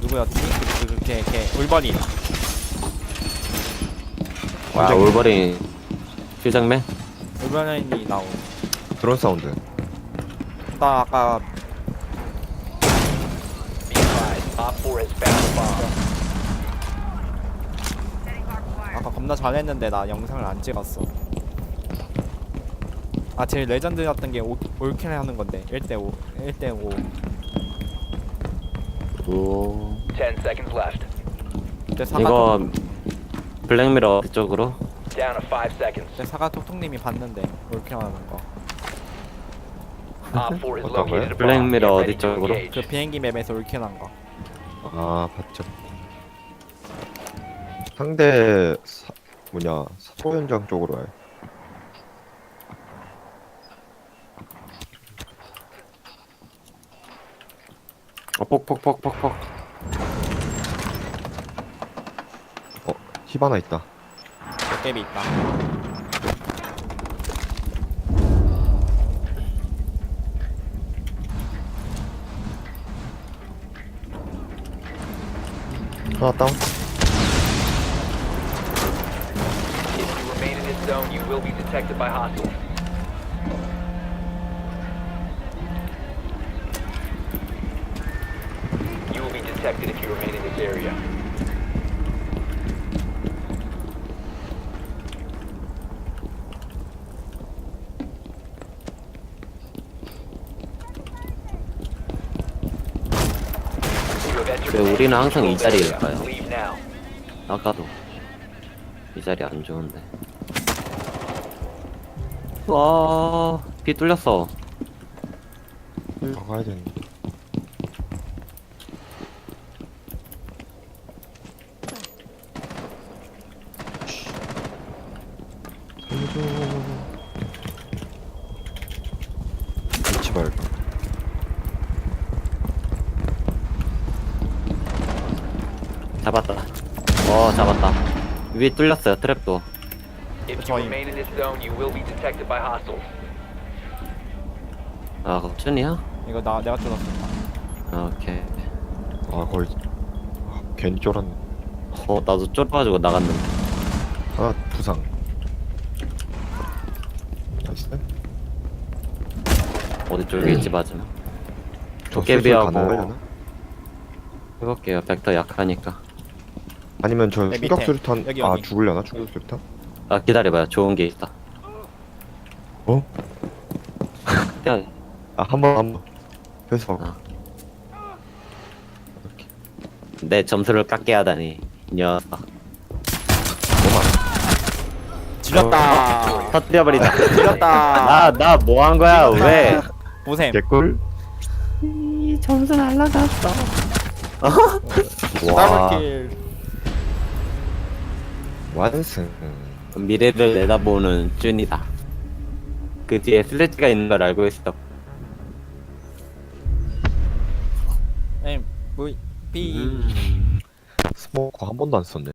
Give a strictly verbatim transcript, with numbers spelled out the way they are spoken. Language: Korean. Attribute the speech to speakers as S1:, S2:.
S1: 누구였지? 그, 그, 그, 걔, 걔, 울버린.
S2: 와 올버린 필장맨?
S1: 울버린이 나온.
S3: 드론 사운드.
S1: 나 아까
S4: Be advised, Op four has found a bomb.
S1: 아까 겁나 잘했는데 나 영상을 안 찍었어. 아 제일 레전드였던 게 올- 올킬 하는 건데 일 대 오 일 대 오.
S2: 오
S4: Ten seconds left.
S1: 그때 사과
S2: 이거
S1: 톡-
S2: 블랙미러 쪽으로
S4: Down to five seconds.
S1: 그때 사과 톡톡님이 봤는데 올킬 하는 거.
S4: Op four has
S3: 어떤 거요?
S4: located a bomb.
S2: 블랙미러
S4: Get
S2: 어디
S4: ready to
S2: 쪽으로?
S1: 그
S4: engage.
S1: 비행기 맵에서 올킬 한 거.
S3: 아 봤죠. 상대 사, 뭐냐 사고 현장 쪽으로 와요.
S2: 어 폭폭폭폭폭
S3: 어 히바나 있다.
S1: 도깨비 있다.
S3: 하나 다운.
S4: If you remain in this zone, you will be detected by hostiles. You will be detected if you remain in this area. You have entered
S2: 왜
S4: an
S2: 우리는 항상 이
S4: controlled area.
S2: 자리일까요?
S4: Leave now.
S2: 아까도 이 자리 안 좋은데 와비 뚫렸어.
S3: 더 가야 되는데. 살려줘. 잊지 말고.
S2: 잡았다. 어 잡았다. 위 뚫렸어요 트랩도.
S4: If you
S1: 저희-
S4: remain in this zone, you will be detected by hostiles.
S2: 아 겁준이야?
S1: 이거 나 내가 뚫었었다.
S2: 오케이.
S3: 아 거의 아, 괜히 쫄았네.
S2: 어 나도 쫄아가지고 나갔는데.
S3: 하나 부상. 나이스.
S2: 어디 쪽에 있지 맞으면.
S3: 저
S2: 도깨비하고-
S3: 수술 가능하려나?
S2: 해볼게요. 벡터 약하니까.
S3: 아니면 저
S1: 네, 밑에.
S3: 충격 수류탄
S1: 여기,
S3: 아
S1: 여기.
S3: 죽으려나 충격 수류탄?
S2: 아 기다려봐요. 좋은 게 있다.
S3: 어?
S2: 야,
S3: 아 한 번 한 번. 회수 하고.
S2: 아. 내 점수를 깎게 하다니. 이 녀석.
S1: 지렸다.
S2: 터뜨려버리다.
S1: 지렸다.
S2: 나 나 뭐 한 거야? 왜?
S1: 보셈.
S3: 개꿀.
S2: 이 점수 날라갔어.
S3: 와
S1: 더블킬.
S3: 완승.
S2: 미래를 내다보는 준이다. 그 뒤에 슬래지가 있는 걸 알고 있어.
S1: M V P.
S2: 음.
S3: 스모커 한 번도 안 썼네.